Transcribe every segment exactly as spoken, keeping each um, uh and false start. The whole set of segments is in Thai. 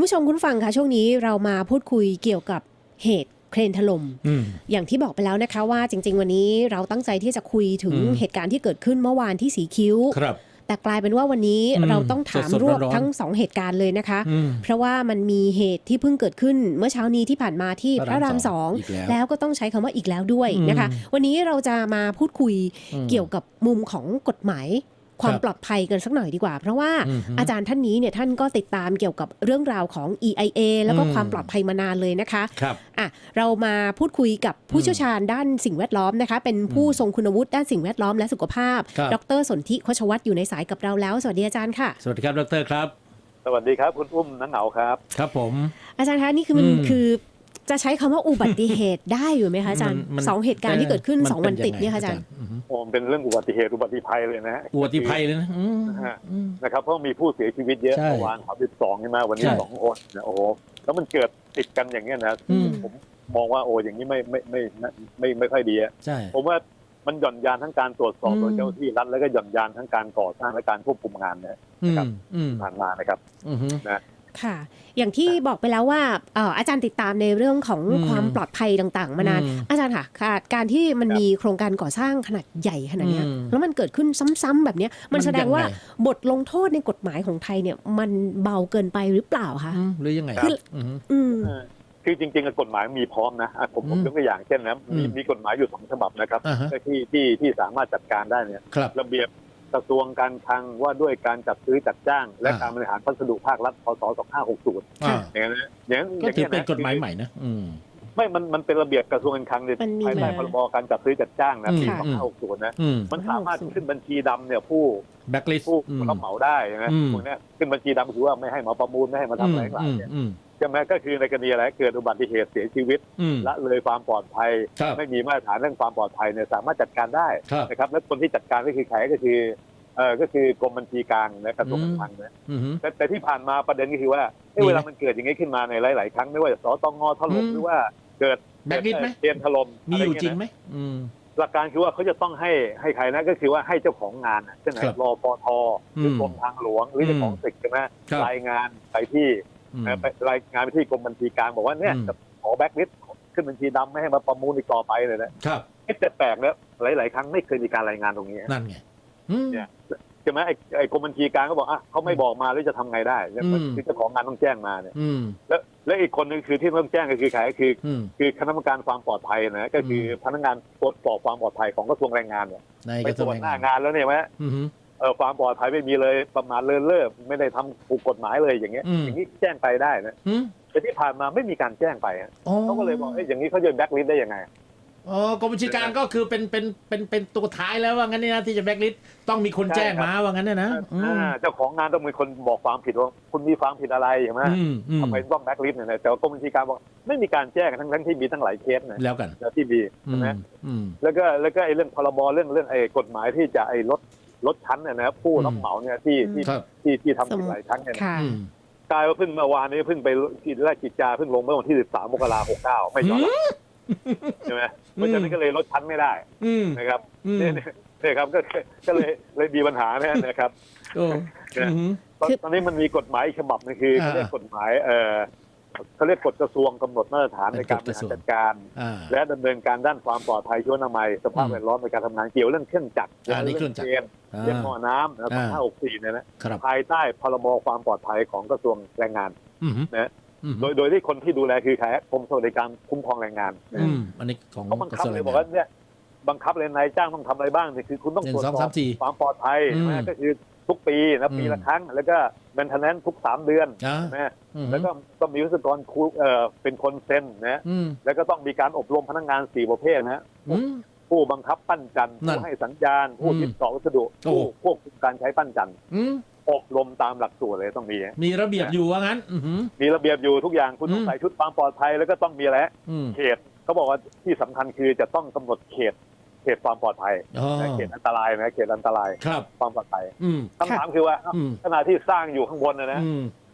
ผู้ชมคุณฟังค่ะช่วงนี้เรามาพูดคุยเกี่ยวกับเหตุเครนถล่ม อ, อย่างที่บอกไปแล้วนะคะว่าจริงๆวันนี้เราตั้งใจที่จะคุยถึงเหตุการณ์ที่เกิดขึ้นเมื่อวานที่สีคิ้วแต่กลายเป็นว่าวันนี้เราต้องถามรวบทั้งสองเหตุการณ์เลยนะคะเพราะว่ามันมีเหตุที่เพิ่งเกิดขึ้นเมื่อเช้านี้ที่ผ่านมาที่พระรามสองแล้วก็ต้องใช้คำว่าอีกแล้วด้วยนะคะวันนี้เราจะมาพูดคุยเกี่ยวกับมุมของกฎหมายความปลอดภัยกันสักหน่อยดีกว่าเพราะว่าอาจารย์ท่านนี้เนี่ยท่านก็ติดตามเกี่ยวกับเรื่องราวของ อี ไอ เอ แล้วก็ความปลอดภัยมานานเลยนะคะอ่ะเรามาพูดคุยกับผู้เชี่ยวชาญด้านสิ่งแวดล้อมนะคะเป็นผู้ทรงคุณวุฒิด้านสิ่งแวดล้อมและสุขภาพดร.สนธิ โฆชวัฒน์อยู่ในสายกับเราแล้วสวัสดีอาจารย์ค่ะสวัสดีครับดร.ครับสวัสดีครับคุณอุ้มนังเหงาครับครับผมอาจารย์คะนี่คือมันคือจะใช้คำว่าอุบัติเหตุได้อยู่ไหมคะอาจารย์สองเหตุการณ์ที่เกิดขึ้นสองวันติดเนี่ยค่ะอาจารย์โอ้เป็นเรื่องอุบัติเหตุอุบัติภัยเลยนะอุบัติภัยเลยนะนะครับเพราะมีผู้เสียชีวิตเยอะเมื่อวานสามสิบสองใช่ไหมวันนี้สองคนนะโอ้โหแล้วมันเกิดติดกันอย่างเงี้ยนะผมมองว่าโอ้อย่างนี้ไม่ไม่ไม่ไม่ไม่ค่อยดีอ่ะผมว่ามันหย่อนยานทั้งการตรวจสอบโดยเจ้าที่รัฐแล้วก็หย่อนยานทั้งการก่อสร้างและการควบคุมงานนะครับผ่านมานะครับนะค่ะอย่างที่บอกไปแล้วว่าอาจารย์ติดตามในเรื่องของความปลอดภัยต่างๆมานานอาจารย์ค่ะการที่มันมีโครงการก่อสร้างขนาดใหญ่ขนาดนี้แล้วมันเกิดขึ้นซ้ำๆแบบนี้มันแสดงว่าบทลงโทษในกฎหมายของไทยเนี่ยมันเบาเกินไปหรือเปล่าคะหรือยังไงคือคือจริงๆกฎหมายมีพร้อมนะผมผมยกตัวอย่างเช่นนะมีมีกฎหมายอยู่สองฉบับนะครับที่ที่ที่สามารถจัดการได้เนี่ยระเบียบกระทรวงการคลังว่าด้วยการจัดซื้อจัดจ้างและการบริหารพัสดุภาครัฐพ.ศ. สองพันห้าร้อยหกสิบอย่างนั้นอย่างนั้นก็ถือเป็นกฎหมายใหม่นะไม่มันมันเป็นระเบียบกระทรวงการคลังในภายใต้พรบการจัดซื้อจัดจ้างนะปีสองพันห้าร้อยหกสิบนะมันสามารถขึ้นบัญชีดำเนี่ยผู้แบ็คลิสต์ผู้รับเหมาได้นะพวกนี้ขึ้นบัญชีดำคือว่าไม่ให้มาประมูลไม่ให้มาทำอะไรต่างๆเนี่ยใช่ไหมก็คือในกรณีอะไรเกิดอุบัติเหตุเสียชีวิตละเลยความปลอดภัยไม่มีมาตรฐานเรื่องความปลอดภัยเนี่ยสามารถจัดการได้นะครับและคนที่จัดการก็คือใครก็คือเออก็คือกรมบัญชีกลางนะกระทรวงการคลังนะแต่แต่ที่ผ่านมาประเด็นก็คือว่าเวลามันเกิดอย่างนี้ขึ้นมาในหลายๆครั้งไม่ว่าจะสตงถล่มหรือว่าเกิดแบ็คลิสต์ไหมเตรียมถล่มมีอยู่จริงไหมหลักการคือว่าเขาจะต้องให้ให้ใครนะก็คือว่าให้เจ้าของงานเช่นรปทหรือกรมทางหลวงหรือเจ้าของตึกใช่ไหมรายงานไปที่ไปรายงานไปที่กรมบัญชีกลางบอกว่าเนี่ยจะขอแบ็คลิสต์ขึ้นบัญชีดำไม่ให้มาประมูลอีกต่อไปเลยนะครับแต่แปลกแล้วหลายๆครั้งไม่เคยมีการรายงานตรงนี้นั่นไงเนี่ยใช่ไหมไอ้ไอ้กรมบัญชีกลางก็บอกอ่ะเขาไม่บอกมาแล้วจะทำไงได้เนี่ยคือเจ้าของงานต้องแจ้งมาเนี่ยแล้วแล้วอีกคนนึงคือที่ต้องแจ้งก็คือใครก็คือคือคณะกรรมการความปลอดภัยนะก็คือพนักงานตรวจสอบความปลอดภัยของกระทรวงแรงงานเนี่ยไปตรวจหน้างานแล้วเนี่ยไหมเออความปลอดภัยไม่มีเลยประมาทเลินเล่อไม่ได้ทำถูกกฎหมายเลยอย่างเงี้ยอย่างนี้แจ้งไปได้นะแต่ที่ผ่านมาไม่มีการแจ้งไปเขาก็เลยบอกเอ้ยอย่างนี้เขาจะแบ็คลิสต์ได้ยังไงอ๋อกรมบัญชีกลางก็คือเป็นเป็นเป็นเป็นตัวท้ายแล้วว่างั้นเนี่ยนะที่จะแบ็คลิสต์ต้องมีคนแจ้งมาว่างั้นเนี่ยนะเจ้าของงานต้องมีคนบอกความผิดว่าคุณมีความผิดอะไรใช่ไหมทำไมต้องแบ็คลิสต์เนี่ยแต่กรมบัญชีกลางบอกไม่มีการแจ้งทั้งทั้งที่มีตั้งหลายเคสนะแล้วกันแล้วที่มีใช่ไหมแล้วก็แล้วก็ไอ้เรื่องพรบเรื่องเรื่องไอ้กฎหมายที่จะไอ้ลดลดชั้นเนี่ยนะผู้รับเหมาเนี่ยที่ที่ที่ที่ทำผิดหลายชั้นเนี่ยกลายว่าเพิ่งเมื่อวานนี้เพิ่งไปกิจแรกกิจจาเพิ่งลงเมื่อวันที่สิบสามมกราคมหกสิบเก้าไม่ยอมใช่ไหมเพราะฉะนั้นก็เลยลดชั้นไม่ได้นะครับเนี่ยครับก็ก็เลยเลยมีปัญหาเนี่ยนะครับตอนนี้มันมีกฎหมายฉบับนึงคือเขาเรียกกฎหมายเออเขาเรียกกฎกระทรวงกำหนดมาตรฐานในการบริหารจัดการและดำเนินการด้านความปลอดภัยชีวนามัยสภาพแวดล้อมในการทำงานเกี่ยวเรื่องเครื่องจักรเรื่องเกณฑ์เรื่องหม้อน้ำแล้วก็ห้าหกสี่เนี่ยนะภายใต้พรบความปลอดภัยของกระทรวงแรงงานนะโดยโดยที่คนที่ดูแลคือใครกรมสวัสดิการคุ้มครองแรงงานอันนี้ของเขาบังคับเลยบอกว่าเนี่ยบังคับเลยนายจ้างต้องทำอะไรบ้างเนี่ยคือคุณต้องตรวจสอบความปลอดภัยนะก็คือทุกปีนะปีละครั้งแล้วก็แมนเทนแนนซ์ทุกสามเดือนนะแล้วก็ต้องมีวิศวกรเอ่อเป็นคนเซ็นนะแล้วก็ต้องมีการอบรมพนักงานสี่ประเภทนะผู้บังคับปั้นจันทร์ผู้ให้สัญญาณผู้ติดต่อวัสดุผู้ควบคุมการใช้ปั้นจันทร์อบรมตามหลักสูตรเลยต้องมีมีระเบียบอยู่ว่างั้นมีระเบียบอยู่ทุกอย่างคุณต้องใส่ชุดความปลอดภัยแล้วก็ต้องมีอะไรเขตเขาบอกว่าที่สำคัญคือจะต้องกำหนดเขตเขตความปลอดภัยเขตอันตรายนะเขตอันตรายความปลอดภัยคำถามคือว่าขณะที่สร้างอยู่ข้างบนนะนะ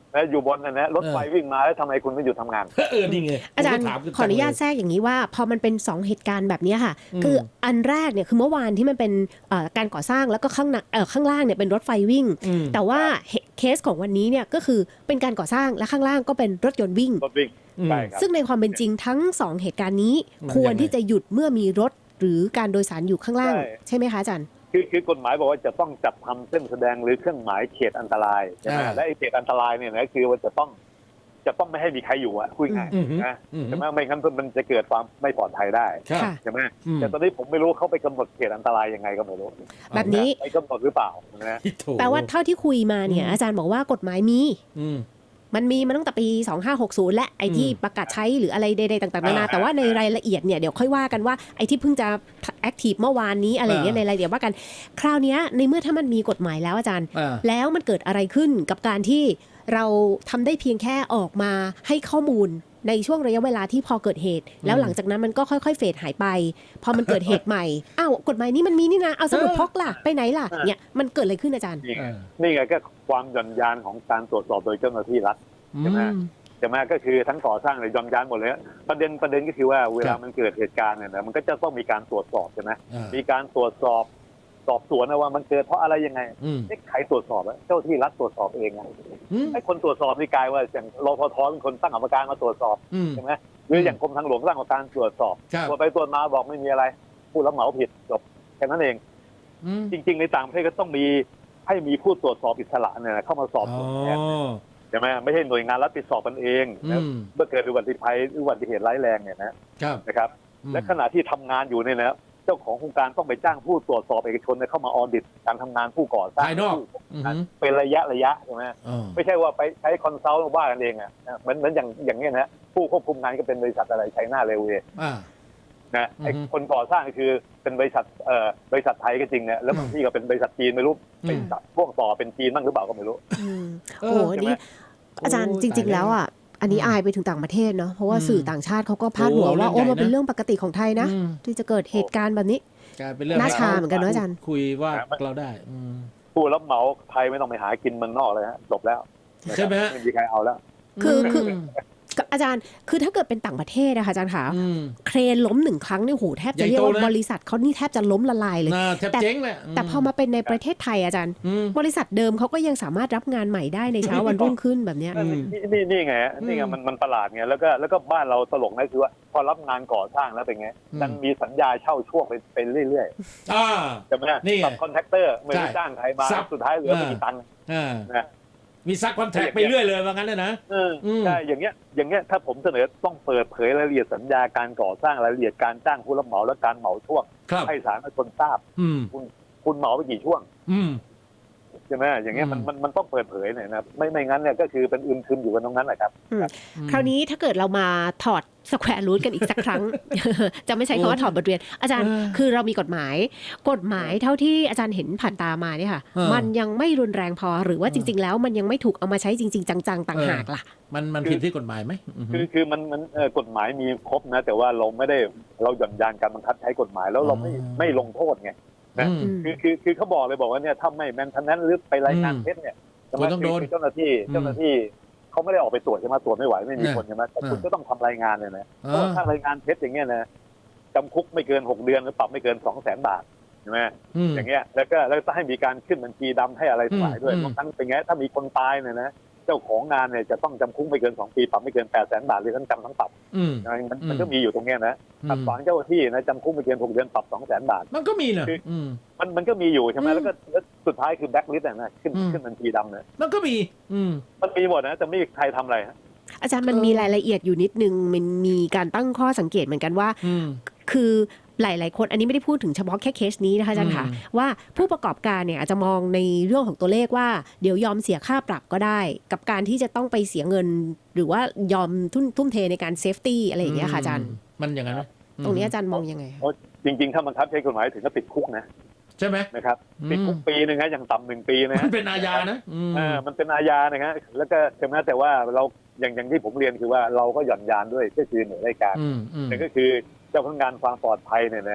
นะอยู่บนนะนะรถไฟวิ่งมาแล้วทำไมคุณไม่หยุดทำงานเออนี่ไงอาจารย์ขออนุญาตแทรกอย่างนี้ว่าพอมันเป็นสองเหตุการณ์แบบนี้ค่ะคืออันแรกเนี่ยคือเมื่อวานที่มันเป็นการก่อสร้างแล้วก็ข้างข้างล่างเนี่ยเป็นรถไฟวิ่งแต่ว่าเคสของวันนี้เนี่ยก็คือเป็นการก่อสร้างและข้างล่างก็เป็นรถยนต์วิ่งรถวิ่งซึ่งในความเป็นจริงทั้งสองเหตุการณ์นี้ควรที่จะหยุดเมื่อมีรถหรือการโดยสารอยู่ข้างล่างใช่ไหมคะอาจารย์คือคือกฎหมายบอกว่าจะต้องจัดทำเส้นแสดงหรือเครื่องหมายเขตอันตรายใช่ไหมและไอ้เขตอันตรายเนี่ยนะคือว่าจะต้องจะต้องไม่ให้มีใครอยู่อ่ะคุยง่ายนะใช่ไหมไม่งั้นมันจะเกิดความไม่ปลอดภัยได้ใช่ไหมแต่ตอนนี้ผมไม่รู้เขาไปกำหนดเขตอันตรายยังไงก็ไม่รู้แบบนี้ไปกำหนดหรือเปล่านะแปลว่าเท่าที่คุยมาเนี่ยอาจารย์บอกว่ากฎหมายมีมันมีมาตั้งแต่ปีสองห้าหกศูนย์และไอ้ที่ประกาศใช้หรืออะไรใดๆต่างๆนานาแต่ว่าในรายละเอียดเนี่ยเดี๋ยวค่อยว่ากันว่าไอ้ที่เพิ่งจะแอคทีฟเมื่อวานนี้อะไรอย่างเงี้ยในรายละเอียดว่ากันคราวนี้ในเมื่อถ้ามันมีกฎหมายแล้วอาจารย์แล้วมันเกิดอะไรขึ้นกับการที่เราทำได้เพียงแค่ออกมาให้ข้อมูลในช่วงระยะเวลาที่พอเกิดเหตุแล้วหลังจากนั้นมันก็ค่อยๆเฟดหายไปพอมันเกิดเหตุใหม่อ้าวกฎหมายนี้มันมีนี่นะเอาสมุดพกล่ะไปไหนล่ะเนี่ยมันเกิดอะไรขึ้นอาจารย์นี่ไงก็ความหย่อนยานของการตรวจสอบโดยเจ้าหน้าที่รัฐใช่ไหมใช่ไหมก็คือทั้งก่อสร้างเลยย่อนยานหมดเลยประเด็นประเด็นก็คือว่าเวลามันเกิดเหตุการณ์เนี่ยนะมันก็จะต้องมีการตรวจสอบใช่ไหมมีการตรวจสอบสอบสวนนะว่ามันเกิดเพราะอะไรยังไงไอ้ใครตรวจสอบเจ้าที่รัฐตรวจสอบเองไงไอ้คนตรวจสอบนี่กลายว่าอย่างรพทเป็นคนตั้งกรรมการมาตรวจสอบใช่ไหมหรืออย่างกรมทางหลวงตั้งกรรมการตรวจสอบตรวจไปตรวจมาบอกไม่มีอะไรผู้รับเหมาผิดจบแค่นั้นเองจริงๆในต่างประเทศก็ต้องมีให้มีผู้ตรวจสอบอิสระเนี่ยเข้ามาสอบสวนแทนใช่ไหมไม่ใช่หน่วยงานรัฐไปสอบกันเองนะเมื่อเกิดอุบัติภัยอุบัติเหตุร้ายแรงเนี่ยนะนะครับและขณะที่ทำงานอยู่เนี่ยนะเจ้าของโครงการต้องไปจ้างผู้ตรวจสอบเอกชนเข้ามาออดิตการทำงานผู้ก่อสร้างเป็นระยะระยะใช่ไหมไม่ใช่ว่าไปใช้คอนซัลท์ว่ากันเองอ่ะเหมือนเหมือนอย่างอย่างนี้นะผู้ควบคุมงานก็เป็นบริษัทอะไรไชน่าเรลเวย์นะไอ้คนก่อสร้างก็คือเป็นบริษัทเอ่อบริษัทไทยก็จริงเนี่ยแล้วบางที่ก็เป็นบริษัทจีนไม่รู้เป็นพ่วงต่อเป็นจีนบ้างหรือเปล่าก็ไม่รู้โอ้โหนี่อาจารย์จริงๆแล้วอ่ะอันนี้อายไปถึงต่างประเทศเนาะเพราะว่าสื่อต่างชาติเขาก็พาดหัวว่าโอ้มันเป็นเรื่องปกติของไทยนะที่จะเกิดเหตุการณ์แบบนี้น่าชาเหมือนกันนะอาจารย์คุยว่าเราได้ผู้รับเหมาไทยไม่ต้องไปหากินเมืองนอกเลยฮะจบแล้วใช่ไหมไม่มีใครเอาแล้วคือคืออาจารย์คือถ้าเกิดเป็นต่างประเทศนะคะอาจารย์ค่ะเครนล้มหนึ่งครั้งนี่โหแทบจะเรียกว่าบริษัทเขานี่แทบจะล้มละลายเลยแต่แต่พอมาเป็นในประเทศไทยอาจารย์บริษัทเดิมเขาก็ยังสามารถรับงานใหม่ได้ในเช้าวันรุ่งขึ้นแบบนี้นี่นี่ไงนี่ไงมันมันประหลาดไงแล้วก็แล้วก็บ้านเราตลกนะคือว่าพอรับงานก่อสร้างแล้วเป็นไงมันมีสัญญาเช่าช่วงไปไปเรื่อยๆใช่ไหมซับคอนแทคเตอร์ไม่ได้จ้างใครมาสุดท้ายเหลือไม่กี่ตังค์นะมีซักคอนแทคไปเรื่อยเลยว่างั้นเลยนะใช่อย่างเงี้ยอย่างเงี้ยถ้าผมเสนอต้องเปิดเผยรายละเอียดสัญญาการก่อสร้างรายละเอียดการจ้างผู้รับเหมาและการเหมาช่วงให้สาธารณชนทราบคุณคุณเหมาไปกี่ช่วงใช่ไหมอย่างเงี้ยมันมันมันต้องเปิดเผยหน่อยนะไม่ไม่งั้นเนี่ยก็คือเป็นอึมครึมอยู่กันตรงนั้นแหละครับคราวนี้ถ้าเกิดเรามาถอดสแควร์รูทกันอีกสักครั้ง จะไม่ใช้คำว่าถอดบทเรียนอาจารย์คือเรามีกฎหมายกฎหมายเท่าที่อาจารย์เห็นผ่านตามาเนี่ยค่ะมันยังไม่รุนแรงพอหรือว่าจริงๆแล้วมันยังไม่ถูกเอามาใช้จริงๆจังๆต่างหากล่ะมันมันผิดที่กฎหมายไหมคือคือมันมันกฎหมายมีครบนะแต่ว่าเราไม่ได้เราหย่อนยานการบังคับใช้กฎหมายแล้วเราไม่ไม่ลงโทษไงนะคือคือคือเขาบอกเลยบอกว่าเนี่ยถ้าไม่แมนทันนั้นหรือไปรายงานเท็จเนี่ยต้องโดนเจ้าหน้าที่เจ้าหน้าที่เขาไม่ได้ออกไปตรวจใช่ไหมตรวจไม่ไหวไม่มีคนใช่ไหมแต่คุณก็ต้องทำรายงานเลยนะเพราะถ้ารายงานเท็จอย่างเงี้ยนะจำคุกไม่เกินหกเดือนหรือปรับไม่เกินสองแสนบาทใช่ไหมอย่างเงี้ยแล้วก็แล้วก็ให้มีการขึ้นบัญชีดำให้อะไรทั้งหลายด้วยบางครั้งเป็นไงถ้ามีคนตายเนี่ยนะเจ้าของงานเนี่ยจะต้องจำคุกไม่เกินสองปีปรับไม่เกินแปดแสนบาทหรือทั้งจำทั้งปรับมันมันก็มีอยู่ตรงเนี้ยนะขัดขวางเจ้าหน้าที่นะจำคุกไม่เกินหกเดือนปรับสองแสนบาทมันก็มีนะมันมันก็มีอยู่ใช่ไหมแล้วก็สุดท้ายคือแบล็คลิสต์นะขึ้นขึ้นบัญชีดำเนี่ยมันก็มีมันมีหมดนะแต่ไม่มีใครทำอะไรอาจารย์มันมีรายละเอียดอยู่นิดนึงมันมีการตั้งข้อสังเกตเหมือนกันว่าคือหลายๆคนอันนี้ไม่ได้พูดถึงเฉพาะแค่เคสนี้นะคะอาจารย์ค่ะว่าผู้ประกอบการเนี่ยอาจจะมองในเรื่องของตัวเลขว่าเดี๋ยวยอมเสียค่าปรับก็ได้กับการที่จะต้องไปเสียเงินหรือว่ายอมทุ่มทุ่มเทในการเซฟตี้อะไรอย่างเงี้ยค่ะอาจารย์มันอย่างนั้นไหมตรงนี้อาจารย์มองยังไงจริงๆถ้าบังคับใช้กฎหมายถึงก็ติดคุกนะใช่ไหมนะครับติดคุกปีนึงนะอย่างต่ำหนึ่งปีนะมันเป็นอาญานะอ่ามันเป็นอาญานะฮะแล้วก็ใช่ไหมแต่ว่าเราอย่างอย่างที่ผมเรียนคือว่าเราก็หย่อนยานด้วยก็คือหน่วยราชการแต่ก็คือเจ้าพนักงานความปลอดภัยเนี่ยนะ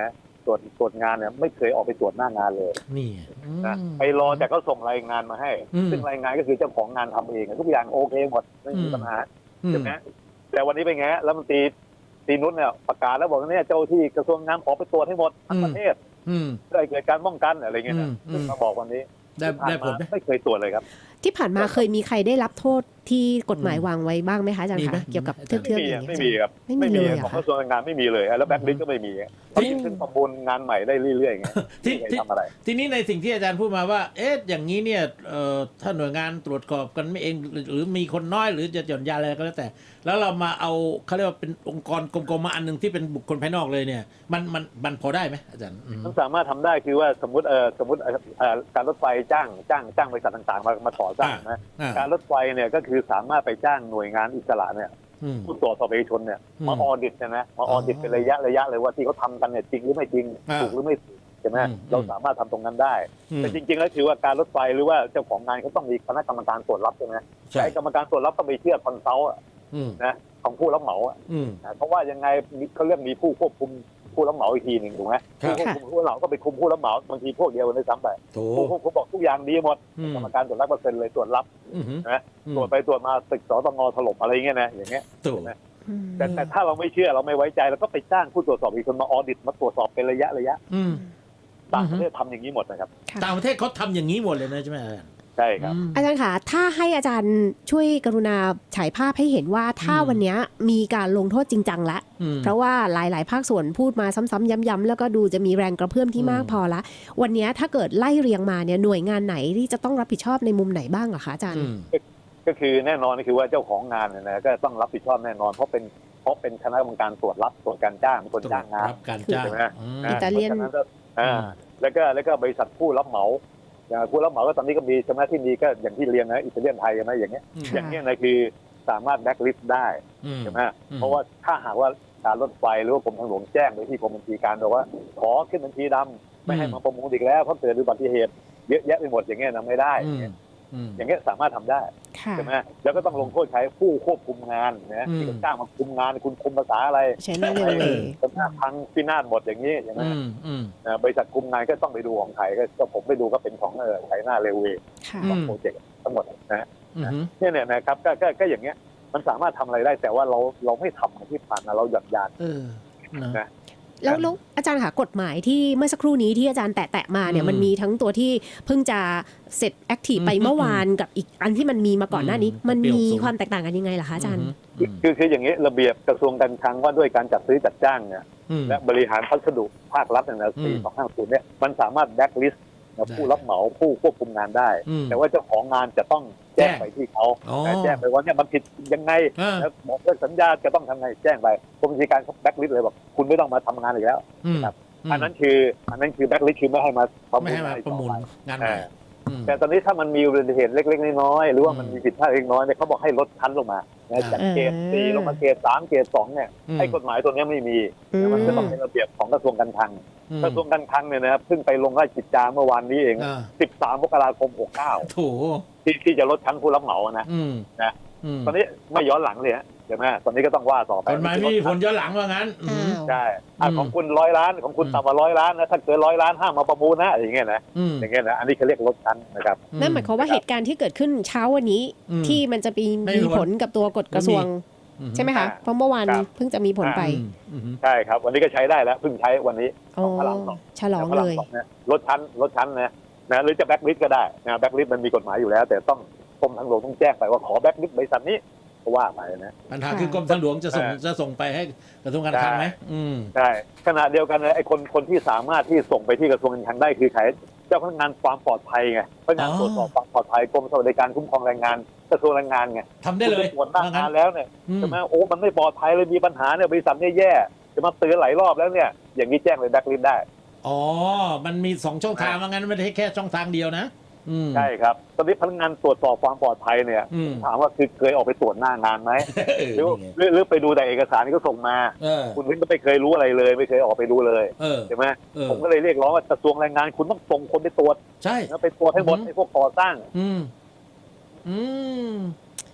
ตรวจตรวจงานเนี่ยไม่เคยออกไปตรวจหน้างานเลยนี่อืมนะไปรอแต่เขาส่งรายงานมาให้อืมซึ่งรายงานก็คือเจ้าของงานทำเองทุกอย่างโอเคหมดไม่มีอืมปัญหาอืมใช่ไหมแต่วันนี้เป็นไงแล้วมันตรีตรีนุชเนี่ยประกาศแล้วบอกว่าเนี่ยเจ้าที่กระทรวงงานขอไปตรวจให้หมดทั้งประเทศอืมเพื่อให้เกิดการป้องกันอะไรเงี้ยนะอืมอืมซึ่งมาบอกวันนี้ได้ที่ผ่านได้ผลมาไหมไม่เคยตรวจเลยครับที่ผ่านมาเคยมีใครได้รับโทษที่กฎหมายวางไว้บ้างไหมคะอาจารย์มีไหมคะเกี่ยวกับมีเทืไหมอกเทือกไม่อมีย่างเงี้ยไม่มีครับไม่มีเลยเหรของอก คะระทรวงแรงงานไม่มีเลยแล้วแบ็คลิสต์ก็ไม่มีที่ขึ้นประมูลงานใหม่ได้เรื่อยๆอย่างเงี้ยที่ไม่เคยที่ทำอะไรทีนี้ในสิ่งที่อาจารย์พูดมาว่า เอ๊ะอย่างนี้เนี่ยเอ่อถ้าหน่วยงานตรวจสอบกันไม่เองหรือหรือมีคนน้อยหรือจะหย่อนยานอะไรก็แล้วแต่ แล้วเรามาเอาเขาเรียกว่าเป็นองค์กรกลมๆมาอันหนึ่งที่เป็นบุคคลภายนอกเลยเนี่ย มันมันมันพอได้ไหมอาจารย์อืมมันสามารถทำได้คือว่าสมมติเออสมมติเอ่อเอ่อการรถไฟจ้างจ้างจ้างบริษัทต่างๆ มามาก่อสร้างนะอ่าการรถไฟเนี่ยก็คือสามารถไปจ้างหน่วยงานอิสระเนี่ยอืมผู้ตรวจสอบเอกชนเนี่ยอืมมาออดิตนะมาออดิตอ๋อเป็นระยะระยะเลยว่าที่เขาทำกันเนี่ยจริงหรือไม่จริงอ่าถูกหรือไม่ถูกใช่ไหมอืมเราสามารถทำตรงนั้นได้อืมแต่จริงๆแล้วคือว่าการรถไฟหรือว่าเจ้าของงานเขาต้องมีคณะกรรมการตรวจรับใช่ไหมใช่ไอ้กรรมการตรวจรับต้องไปเชื่อคอนซัลท์อะอืมนะของผู้รับเหมาอะอืมนะเพราะว่ายังไงมีเขาเรียกมีผู้ควบคุมผู้รับเหมาอีกทีหนึ่งถูกไหมครับผู้ควบคุมผู้รับเหมาก็ไปคุมผู้รับเหมาบางทีพวกเดียวกันด้วยซ้ำไปโถผู้ควบคุมบอกทุกอย่างดีหมดอืมกรรมการตรวจรับเปอร์เซ็นต์เลยตรวจรับอืมนะตรวจไปตรวจมาตึกสตงถล่มอะไรอย่างเงี้ยนะอย่างเงี้ยโถอืมแต่แต่ถ้าเราไม่เชื่อเราไม่ไว้ใจเราก็ไปจ้างผู้ตรวจสอบอีกคนมาออดิตมาตรวจสอบเป็นระยะระยะอืมต่างประเทศทำอย่างนี้หมดนะครับค่ะต่างประเทศเขาทำอย่างนี้หมดเลยนะใช่ไหมอาจารย์ใช่ครับอืมอาจารย์คะถ้าให้อาจารย์ช่วยกรุณาฉายภาพให้เห็นว่าถ้าอืมวันเนี้ยมีการลงโทษจริงจังแล้วอืมเพราะว่าหลาย ๆ ภาคส่วนพูดมาซ้ำๆย้ำๆแล้วก็ดูจะมีแรงกระเพื่อมที่อืมมากพอละ วันเนี้ยถ้าเกิดไล่เรียงมาเนี่ยหน่วยงานไหนที่จะต้องรับผิดชอบในมุมไหนบ้างเหรอคะอาจารย์อืมก็คือแน่นอนก็คือว่าเจ้าของงานเนี่ยนะก็ต้องรับผิดชอบแน่นอนเพราะเป็นเพราะเป็นคณะกรรมการตรวจรับตรวจการจ้างเป็นคนจ้างงานรับการจ้างใช่ไหมอืมนะอิตาเลียนพระฉะก็อ่าแล้วก็แล้วก็บริษัทผู้รับเหมาอย่างผู้รับเหมาก็ตอนนี้ก็มีใช่ไหมที่มีก็อย่างที่เรียนนะอิตาเลียนไทยใช่ไหมอย่างเงี้ยอืมอย่างเงี้ยนะคือสามารถแบล็คลิสต์ได้อืมใช่ไหมอืมเพราะว่าถ้าหากว่าการรถไฟหรือว่ากรมทางหลวงแจ้งไปที่กรมบัญชีการบอกว่าขอขึ้นบัญชีดำไม่ให้มาประมูลอีกแล้วเพราะเกิดอุบัติเหตุเยอะแยะไปหมดอย่างเงี้ยนะไม่ได้อืมอืมอย่างเงี้ยสามารถทำได้ค่ะใช่ไหมแล้วก็ต้องลงโทษใช้ผู้ควบคุมงานนะอืมที่เขาจ้างมาคุมงานคุณคุมภาษาอะไรใช้เรื่องเร็วเวย์สำนักพังพินาศหมดอย่างนี้ใช่ไหมอืมอืมนะบริษัทคุมงานก็ต้องไปดูของไทยก็ก็ผมไปดูก็เป็นของเออไทยหน้าเรลเวย์ค่ะอืมโปรเจกต์ทั้งหมดนะอืมเนี่ยเนี่ยนะครับก็ก็ก็อย่างเงี้ยมันสามารถทำอะไรได้แต่ว่าเราเราไม่ทำที่ผ่านมาเราหย่อนยานเออนะนะแล้วแล้วอาจารย์ค่ะกฎหมายที่เมื่อสักครู่นี้ที่อาจารย์แตะๆมาเนี่ยอืมมันมีทั้งตัวที่เพิ่งจะเสร็จแอคทีฟไปอืมเมื่อวานกับอีกอันที่มันมีมาก่อนหน้านี้อืมมันเปรี้ยวมีสูงความแตกต่างกันยังไงล่ะคะอาจารย์อืมคือคืออย่างนี้ระเบียบกระทรวงการคลังว่าด้วยการจัดซื้อจัดจ้างเนี่ยอืมและบริหารพัสดุภาครัฐเนี่ยนะอืสี่มสองห้าศูนย์เนี่ยมันสามารถแบ็กลิสต์ได้ผู้รับเหมาผู้ควบคุมงานได้อืมแต่ว่าเจ้าของงานจะต้องแจ้งแจ้งไปที่เขาอ๋อนะแจ้งไปว่าเนี่ยมันผิดยังไงอ่าแล้วบอกเลิกสัญญาจะต้องทำไงแจ้งไปกรมบัญชีการเขาแบ็กลิสต์เลยบอกคุณไม่ต้องมาทำงานอีกแล้วอืมครับ อันนั้นคืออันนั้นคือแบ็กลิสต์คือไม่ให้มาประไม่มูลให้มาประมูลงานอีกงานต่อใหไปม่อ่าอืมแต่ตอนนี้ถ้ามันมีอุบัติเหตุเล็กๆน้อยๆหรือว่ามันอืมมีผิดพลาดเล็กน้อยเนี่ยเขาบอกให้ลดชั้นลงมานะจากเกรดอ่าสี่ลงมาเกรดสามเกรดสองเนี่ยอืมไอ้กฎหมายตัวเนี้ยไม่มีอืมมันจะต้องเป็นระเบียบของกระทรวงการคลังอืมกระทรวงการคลังเนี่ยนะครับเพิ่งไปลงราชกิจจาเมื่อวานนี้เองอ่าสิบสามมกราคมหกเก้าโถที่ที่จะลดชั้นผู้รับเหมานะอืมนะอืมตอนนี้ไม่ย้อนหลังเลยฮะเห็นไหมตอนนี้ก็ต้องว่าต่อไปกฎหมายไม่มีผลย้อนหลังว่างั้นอือ้าม วใช่อ่ะอืมของคุณร้อยล้านของคุณอืมต่ำกว่าร้อยล้านนะถ้าเกินร้อยล้านห้ามมาประมูลนะอย่างเงี้ยนะอืมอย่างเงี้ยนะอันนี้เขาเรียกลดชั้นนะครับนั่นหมายความว่าเหตุการณ์ที่เกิดขึ้นเช้าวันนี้อืมที่มันจะมีไม่มีมีผลกับตัวกฎกระทรวงอืใช่ไหมคะ เพราะเมื่อวานครับเพิ่งจะมีผลไปอืมอืมใช่ครับ วันนี้ก็ใช้ได้แล้วเพิ่งใช้วันนี้โอ้ของพระรามสองฉลองพระเลรามยสองนะลดชั้นลดชั้นนะนะหรือจะแบ็กลิสต์ก็ได้นะแบ็กลิสต์มันมีกฎหมายอยู่แล้ว แต่ต้องกรมทางหลวงต้องแจ้งไปว่าขอแบ็กลิสต์บริษัทนี้ก็ว่าไปนะปัญหาค่ะคือกรมทางหลวงจะส่งเออจะส่งไปให้กระทรวงการคลังไหมอืมใช่ขณะเดียวกันเลยไอ้คนคนที่สามารถที่ส่งไปที่กระทรวงการคลังได้คือใครเจ้าพนักงานความปลอดภัยไงพนักงานอ๋อตรวจสอบความปลอดภัยกรมสวัสดิการคุ้มครองแรงงานกระทรวงแรงงานไงทำได้เลยคุณปตรวจหน้าว่างั้งาน นแล้วเนี่ยอืมใช่ไหมโอ้มันไม่ปลอดภัยเลยมีปัญหาเนี่ยบริษัทเนี่ยแย่จะมาเตือนหลายรอบแล้วเนี่ยอย่างนี้แจ้งเลยแบ็กลิสต์ได้อ๋อ มันมีสองช่องทางว่างั้นไม่ได้แค่ช่องทางเดียวนะอืมใช่ครับตอนนี้พนักงานตรวจสอบความปลอดภัยเนี่ยอืมถามว่าคือเคยออกไปตรวจหน้างานไหมเออหรือนี่ไงหรือหรือไปดูแต่เอกสารที่เขาส่งมาเออคุณพิงก็ไม่เคยรู้อะไรเลย ไม่เคยออกไปดูเลยเออใช่ไหมเออผมก็เลยเรียกร้องว่ากระทรวงแรงงานคุณต้องส่งคนไปตรวจใช่นะไปตรวจให้หมดอือฮึไอ้พวกก่อสร้างอืม อืม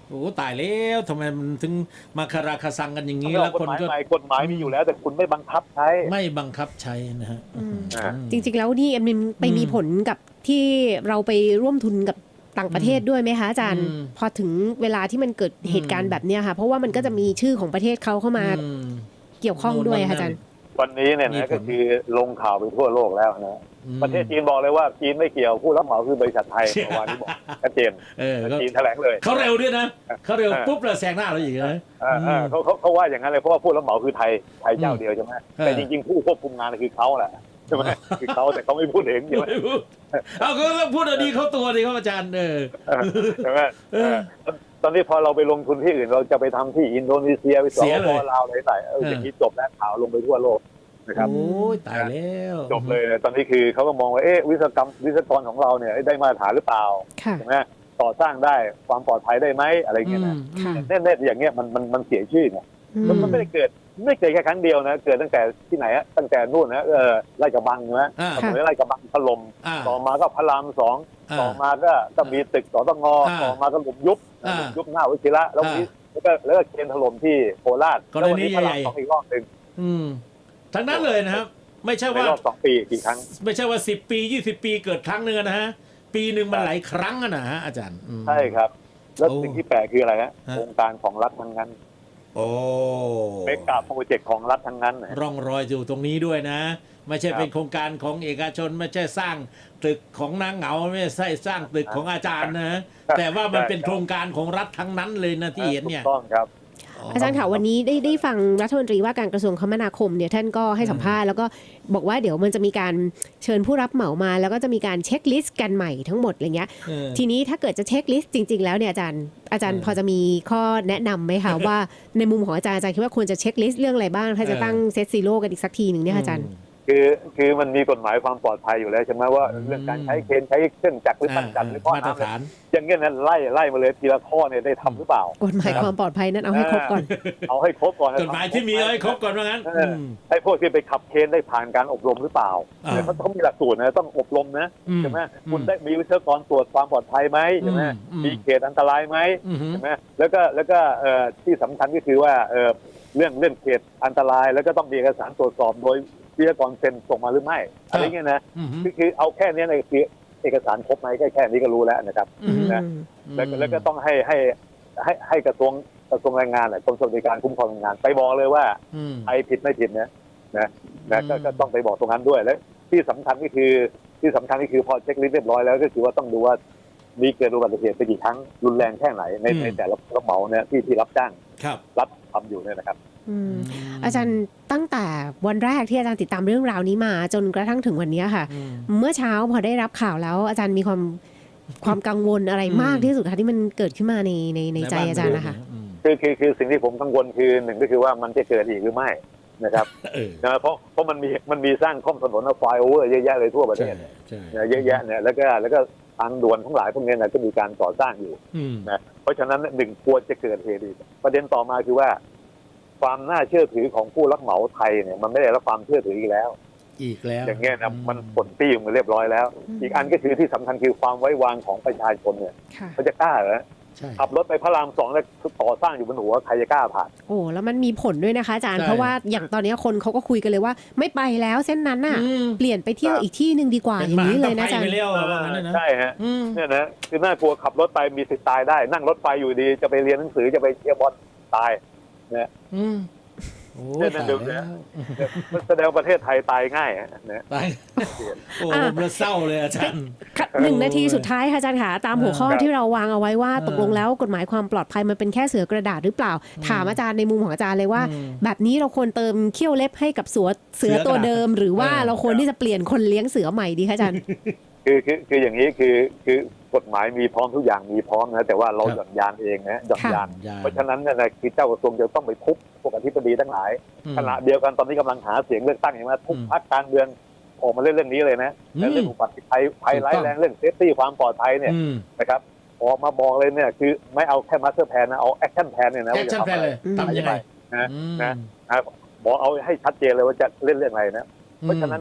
โอ้ตายแล้วทำไมมันถึงมาคาราคาซังกันอย่างนี้แล้วกคฎนหมายก็ใหม่กฎหมายมีอยู่แล้ว แต่คุณไม่บังคับใช้ไม่บังคับใช้นะฮะจริงๆแล้วนี่มันไปมีผลกับที่เราไปร่วมทุนกับต่างประเทศด้วยไหมคะอาจารย์พอถึงเวลาที่มันเกิดเหตุการณ์แบบนี้ค่ะเพราะว่ามันก็จะมีชื่อของประเทศเขาเข้ามาเกี่ยวข้องด้วยค่ะอาจารย์วันนี้เนี่ยนะก็คือลงข่าวไปทั่วโลกแล้วนะประเทศจีนบอกเลยว่าจีนไม่เกี่ยวผู้รับเหมาคือบริษัทไทยเมื่อวานนี้บอกชัดเจนจีนแถลงเลยเขาเร็วด้วยนะเขาเร็วปุ๊บแล้วแซงหน้าเราอีกนะเขาเขาเขาว่าอย่างนั้นเลยเพราะว่าผู้รับเหมาคือไทยไทยเจ้าเดียวใช่ไหมแต่จริงๆผู้ควบคุมงานคือเขาแหละใช่ไหมคือเขาแต่เขาไม่พูดเองใช่ไหมเอาก็พูดดีเขาตัวดีเขาอาจารย์เออใช่ไหมตอนนี้พอเราไปลงทุนที่อื่นเราจะไปทำที่อินโดนีเซียไปสปปลาวอะไรต่างเอออย่างนี้จบแล้วข่าวลงไปทั่วโลกนะครับโอ้ยตายแล้วจบเลยตอนนี้คือเขาก็มองว่าเอ๊ะวิศวกรรมวิศวกรของเราเนี่ยได้มาตรฐานหรือเปล่าใช่ไหมต่อสร้างได้ความปลอดภัยได้ไหมอะไรเงี้ยนะแน่ๆอย่างเงี้ยมันมันมันเสียชื่อเนี่ยมันไม่ได้เกิดไม่เกิดแค่ครั้งเดียวนะเกิดตั้งแต่ที่ไหนอะตั้งแต่นู่นนะเออไร่กระบังนะสมัยไร่กระบังถล่มต่อมาก็พระรามสองต่อมาก็ก็มีตึกสตงต่อมาก็หลุมยุบยุบหน้าวิชิระแล้วแล้วก็แล้วก็เคนถล่มที่โคราชแล้ววันนี้พระรามสองอีกรอบหนึ่งทั้งนั้นเลยนะครับไม่ใช่ว่ารอบสองปีกี่ครั้งไม่ใช่ว่าสิบปียี่สิบปีเกิดครั้งนึงนะฮะปีหนึ่งมันหลายครั้งนะฮะอาจารย์ใช่ครับแล้วสิ่งที่แปลกคืออะไรนะโครงการของรัฐทั้งนั้นโอ้เป็นกาโปรเจกต์ของรัฐทั้งนั้นร่องรอยอยู่ตรงนี้ด้วยนะไม่ใช่เป็นโครงการของเอกชนไม่ใช่สร้างตึกของนางเหงาไม่ใช่สร้างตึกของอาจารย์นะแต่ว่ามันเป็นโครงการของรัฐทั้งนั้นเลยนะที่เห็นเนี่ยต้องครับอาจารย์ค่ะวันนี้ได้ได้ฟังรัฐมนตรีว่าการกระทรวงคมนาคมเนี่ยท่านก็ให้สัมภาษณ์แล้วก็บอกว่าเดี๋ยวมันจะมีการเชิญผู้รับเหมามาแล้วก็จะมีการเช็คลิสต์กันใหม่ทั้งหมดอะไรเงี้ยทีนี้ถ้าเกิดจะเช็คลิสต์จริงๆแล้วเนี่ยอาจารย์อาจารย์พอจะมีข้อแนะนำไหมคะว่าในมุมของอาจารย์อาจารย์คิดว่าควรจะเช็คลิสต์เรื่องอะไรบ้างถ้าจะตั้งเซตซีโร่กันอีกสักทีหนึ่งเนี่ยอาจารย์คือคือมันมีกฎหมายความปลอดภัยอยู่แล้วใช่ไหมว่าเรื่องการใช้เคนใช้เครื่องจักรหรือตั้งจักรหรือข้อน้ำอย่างเงี้ยนั้นไล่ไล่มาเลยทีละข้อเนี่ยได้ทำหรือเปล่ากฎหมายความปลอดภัยนั้นเอาให้ครบก่อนเอาให้ครบก่อนกฎหมายที่มีเอาให้ครบก่อนว่างั้นให้พวกที่ไปขับเคนได้ผ่านการอบรมหรือเปล่าเขาต้องมีหลักสูตรนะต้องอบรมนะใช่ไหมคุณได้มีวิศวกรตรวจความปลอดภัยไหมใช่ไหมมีเขตอันตรายไหมใช่ไหมแล้วก็แล้วก็ที่สำคัญก็คือว่าเรื่องเรื่องเขตอันตรายแล้วก็ต้องมีเอกสารตรวจสอบโดยวิศวกรเซ็นส่งมาหรือไม่อะไรเงี้ยนะคือคือเอาแค่นี้เลยคือเอกสารครบไหมแค่แค่นี้ก็รู้แล้วนะครับนะแล้วแล้วก็ต้องให้ให้ให้ให้กระทรวงกระทรวงแรงงานกรมสวัสดิการคุ้มครองแรงงานไปบอกเลยว่าใครผิดไม่ผิดนะนะนะก็ต้องไปบอกตรงนั้นด้วยแล้วที่สำคัญก็คือที่สำคัญก็คือพอเช็คลิสต์เรียบร้อยแล้วก็คือว่าต้องดูว่ามีเกิดอุบัติเหตุไปกี่ครั้งรุนแรงแค่ไหนในในแต่ละรับเหมาเนี่ยที่ที่รับจ้างรับทำอยู่เนี่ยนะครับอาจารย์ตั้งแต่วันแรกที่อาจารย์ติดตามเรื่องราวนี้มาจนกระทั่งถึงวันนี้ค่ะเมื่อเช้าพอได้รับข่าวแล้วอาจารย์มีความความกังวลอะไรมากที่สุดคะที่มันเกิดขึ้นมาในในในใจอาจารย์นะคะคือคือคือสิ่งที่ผมกังวลคือหนึ่งก็คือว่ามันจะเกิดอีกหรือไม่นะครับนะเพราะเพราะมันมีมันมีสร้างข้อมถนนไฟโอเวอร์เยอะแยะเลยทั่วประเทศเนี่ยเยอะแยะเนี่ยแล้วก็แล้วก็ทางด่วนทั้งหลายพวกนี้นะก็มีการก่อสร้างอยู่นะเพราะฉะนั้นหนึ่งควรจะเกิดเหตุอีกประเด็นต่อมาคือว่าความน่าเชื่อถือของผู้รับเหมาไทยเนี่ยมันไม่ได้รับความเชื่อถืออีกแล้วอีกแล้วอย่างเงี้ยนะมันผลปี้มาเรียบร้อยแล้วอีกอันก็คือที่สำคัญคือความไว้วางของประชาชนเนี่ยเขาจะกล้าเหรอขับรถไปพระรามสองแล้วต่อสร้างอยู่บนหัวใครจะกล้าผ่านโอ้แล้วมันมีผลด้วยนะคะอาจารย์เพราะว่าอย่างตอนนี้คนเขาก็คุยกันเลยว่าไม่ไปแล้วเส้นนั้นน่ะเปลี่ยนไปเที่ยวอีกที่นึงดีกว่าอย่างนี้เลยนะอาจารย์ใช่ฮะเนี่ยนะคือน่ากลัวขับรถไปมีสิทธิ์ตายได้นั่งรถไฟอยู่ดีจะไปเรียนหนังสือจะไปเที่ยวบอลตายเนี่ยเนี่ยนั่นดูเนี่ยแสดงประเทศไทยตายง่ายนะตายโอ้มันเศร้าเลยอาจารย์หนึ่งนาทีสุดท้ายค่ะอาจารย์ขาตามหัวข้อที่เราวางเอาไว้ว่าตกลงแล้วกฎหมายความปลอดภัยมันเป็นแค่เสือกระดาษหรือเปล่าถามอาจารย์ในมุมของอาจารย์เลยว่าแบบนี้เราควรเติมเขี้ยวเล็บให้กับเสือเสือตัวเดิมหรือว่าเราควรที่จะเปลี่ยนคนเลี้ยงเสือใหม่ดีคะอาจารย์คือคือคืออย่างนี้คือคือกฎหมายมีพร้อมทุกอย่างมีพร้อมนะแต่ว่าเราหย่อนยานเองนะหย่อนยานเพราะฉะนั้นเนี่ยนะคือเจ้ากระทรวงจะต้องไปทุบพวกอธิบดีทั้งหลายขณะเดียวกันตอนนี้กำลังหาเสียงเลือกตั้งอย่างว่าทุกพรรคการเมืองออกมาเล่นเรื่องนี้เลยนะเรื่องอุบัติภัยภัยร้ายแรงเรื่องเซฟตี้ความปลอดภัยเนี่ยนะครับออกมาบอกเลยเนี่ยคือไม่เอาแค่มาสเตอร์แพลนนะเอาแอคชั่นแพลนเนี่ยนะแอคชั่นแพลนเลยทำยังไงนะนะบอกเอาให้ชัดเจนเลยว่าจะเล่นเรื่องอะไรนะเพราะฉะนั้นเนี่ย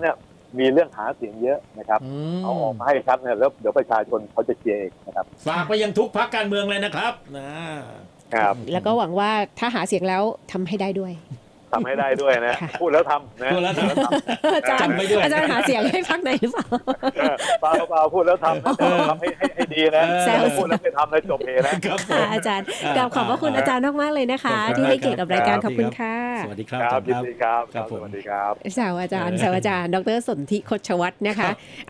มีเรื่องหาเสียงเยอะนะครับเอาออกมาให้ชัดเนี่ยแล้วเดี๋ยวประชาชนเขาจะเชียร์เองนะครับฝากไปยังทุกพรรคการเมืองเลยนะครับนะครับแล้วก็หวังว่าถ้าหาเสียงแล้วทำให้ได้ด้วยทำให้ได้ด้วยนะพูดแล้วทำนะพูดแล้วทำอาจารย์อาจารย์หาเสียงให้พรรคไหนหรือเปล่าเปล่าเปล่าพูดแล้วทำทำให้ให้ดีนะพูดแล้วไม่ทำเลยจบเฮนะอาจารย์กราบขอบพระคุณอาจารย์มากๆเลยนะคะที่ให้เกียรติกับรายการขอบคุณค่ะสวัสดีครับครับสวัสดีครับสวัสดีครับสาวอาจารย์สาวอาจารย์ดรสนธิคชวัฒน์นะคะ